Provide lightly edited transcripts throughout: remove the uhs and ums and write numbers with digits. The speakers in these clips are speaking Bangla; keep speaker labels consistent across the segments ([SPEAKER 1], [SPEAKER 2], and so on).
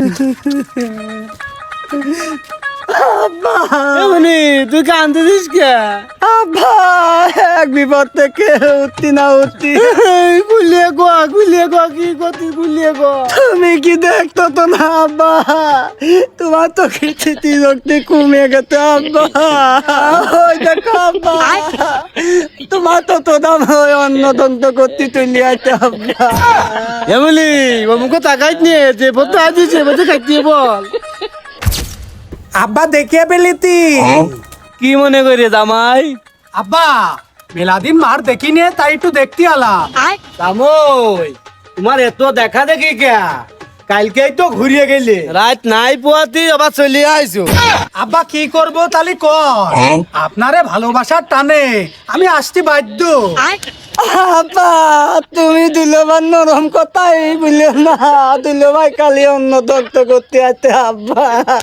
[SPEAKER 1] তুই কান্দছিস কে?
[SPEAKER 2] আব্বা এক বিপদ থেকে উঠতি না উঠতি।
[SPEAKER 1] গুলিয়ে গো কি গতি গুলিয়ে গো।
[SPEAKER 2] তুমি কি দেখতো তো না আব্বা, তোমার তো স্মৃতি শক্তি কমে গেছে আব্বা। ওই দেখো আব্বা, তোমার তো দাম হয় অন্য দন্ত করতে তুলি আছে আব্বা।
[SPEAKER 1] এমনি ও মুখে তাকাইত নিয়ে যে বলতে আজিছে বলতে খাইতে বল।
[SPEAKER 2] আব্বা দেখিয়ে পেলিতি
[SPEAKER 1] কি মনে করি জামাই?
[SPEAKER 2] আব্বা মেলাদিন মার দেখিনি, তাই একটু দেখতে আলা।
[SPEAKER 1] জামাই তোমার এত দেখা দেখি কে? কালকেই তো ঘুরিয়ে গেলি, রাত নাই পোয়াতি আবার চলে আইছো।
[SPEAKER 2] আব্বা কি করবো তালি কর, আপনারে ভালোবাসার টানে আমি আসতে বাধ্য। আব্বা তুমি দুলোবার নরম কথাই বলিও না, দুলোভাই কালি অন্য দগ্ধ করতে আছে আব্বা।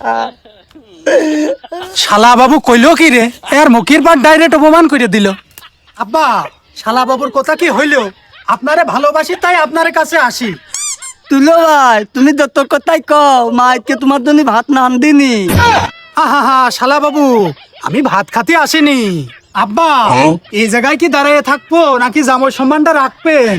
[SPEAKER 2] শালা বাবু কইলো কি রে, এর মুখের পর ডাইরেক্ট অপমান করে দিল। আব্বা শালা বাবুর কথা কি হইলো, আপনারে ভালোবাসি তাই আপনার কাছে আসি। তুলো ভাই তুমি যত কথাই কও, মা আজকে তোমার জন্য ভাত নান দিনি। হা শালা বাবু আমি ভাত খাতে আসিনি। আব্বা এই জায়গায় কি দাঁড়িয়ে থাকবো নাকি জামাই সম্মানটা রাখবেন?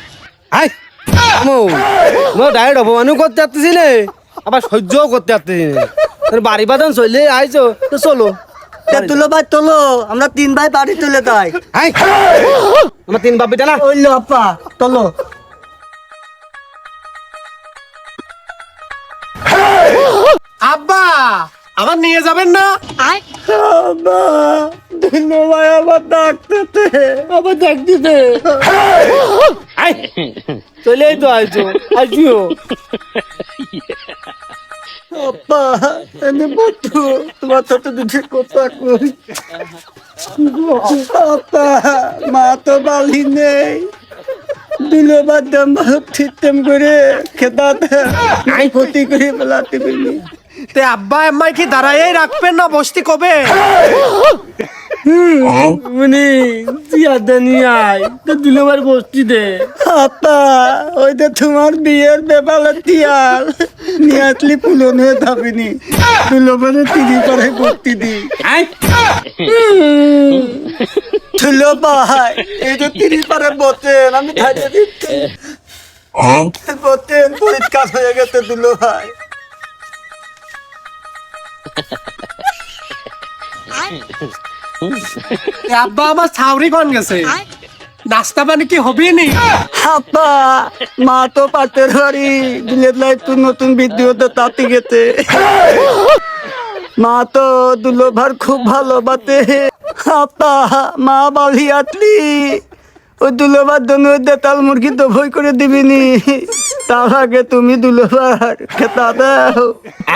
[SPEAKER 1] ডাইরেক্ট অপমানও করতে পারতেছি না, আবার সহ্যও করতে পারতেছি না। বাড়ি বাদন চলে আইছো তো চলো।
[SPEAKER 2] তুলো ভাই তোলো, আমরা তিন ভাই বাড়ি তুলে তাই।
[SPEAKER 1] আমার তিন বাপিটা না
[SPEAKER 2] ওইলো আপা তোলো। আব্বা আবার নিয়ে যাবেন না? আব্বা দুলো ভাই আবার ডাকতেছে,
[SPEAKER 1] আবার দেখতে চলেই তো আইছো আসিও।
[SPEAKER 2] আপা এনে বন্ধু তোমার সাথে দুটি কথা কই। আপা মা তো বালি নেই, দিলে বাদাম ঠিকঠাক করে খেতা ক্ষতি করে বেলাতে পারি। তে আব্বা আম্মাই কি দাঁড়াই রাখবেন না বসতি কবে?
[SPEAKER 1] মানে জিয়াদা নিয়ে আয় তো দুলোবার বসতি দে।
[SPEAKER 2] আপা ওই যে তোমার বিয়ের বেপালে তিয়াল নিয়ে আসলি পুলন হয়ে যাবিনি, দুলোবারে তিরি পারে করতে দি। তুলো ভাই এই যে তিরি পারে বতেন আমি খাইতে দিচ্ছি, বতেন পরিষ্কার হয়ে গেছে দুলো ভাই। আব্বা আমার ছাউরি কোন গেছে, নাস্তা পানি কি হবে নি? আব্বা মা তো পাটের বাড়ি বিলেত লাইফ তো নতুন ভিডিওতে তাতে গেছে। মা তো দুলোভার খুব ভালো বাতে। আব্বা মা বালি আটলি ওই দুলোভার জন্য দেতাল মুরগি তো ভয় করে দিবিনি, তার আগে তুমি দুলোভার খেতা দাও।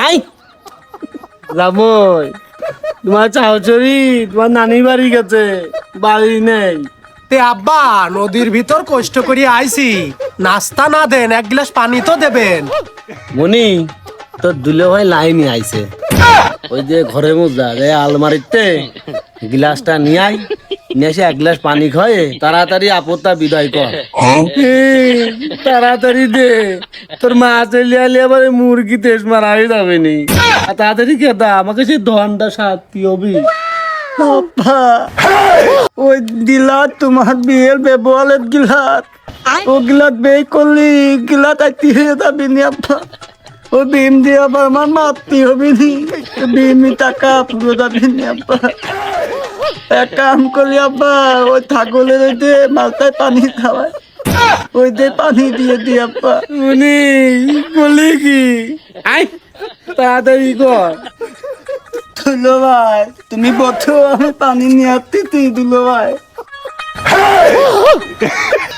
[SPEAKER 1] জামই তোমার চাউচরি তোমার নানি বাড়ি গেছে, বাড়ি নেই।
[SPEAKER 2] তে আব্বা নদীর ভিতর কষ্ট করে আইছি, নাস্তা না দেন এক গ্লাস পানি তো দেবেন।
[SPEAKER 1] মনি তোর দুলে ভাই লাইনে আইছে, ওই যে ঘরে মোজা যে আলমারিতে গ্লাসটা নিয়ে আই, নিয়ে এসে এক গ্লাস পানি খায় তাড়াতাড়ি আপত্তা বিদায় কর। তাড়াতাড়ি দে, তোর মা চলে আলে আবার মুরগি তেজ মারা হয়ে যাবে নি। তাড়াতাড়ি খেতা, আমাকে সে ধনটা সাথী হবি।
[SPEAKER 2] আব্বা ওই দিলাত তোমার বিয়ের ব্যবহারের গিলাত, ও গিলাত বেই করলি গিলাত আইতি হয়ে যাবি নি আব্বা। ও বিম দিয়ে আবার আমার মারতি হবি নি, বিমি টাকা পুরো যাবি নি আব্বা। এক কাম করলি আব্বা ওই ছাগলের ওই যে মালটায় পানি খাওয়ায়, ওই যে পানি দিয়ে দি আব্বা।
[SPEAKER 1] মনি বলি কি আই তাড়াতাড়ি কর।
[SPEAKER 2] দুলো ভাই তুমি বলছো আমি পানি নিয়ে আসতে, তুই দুলো ভাই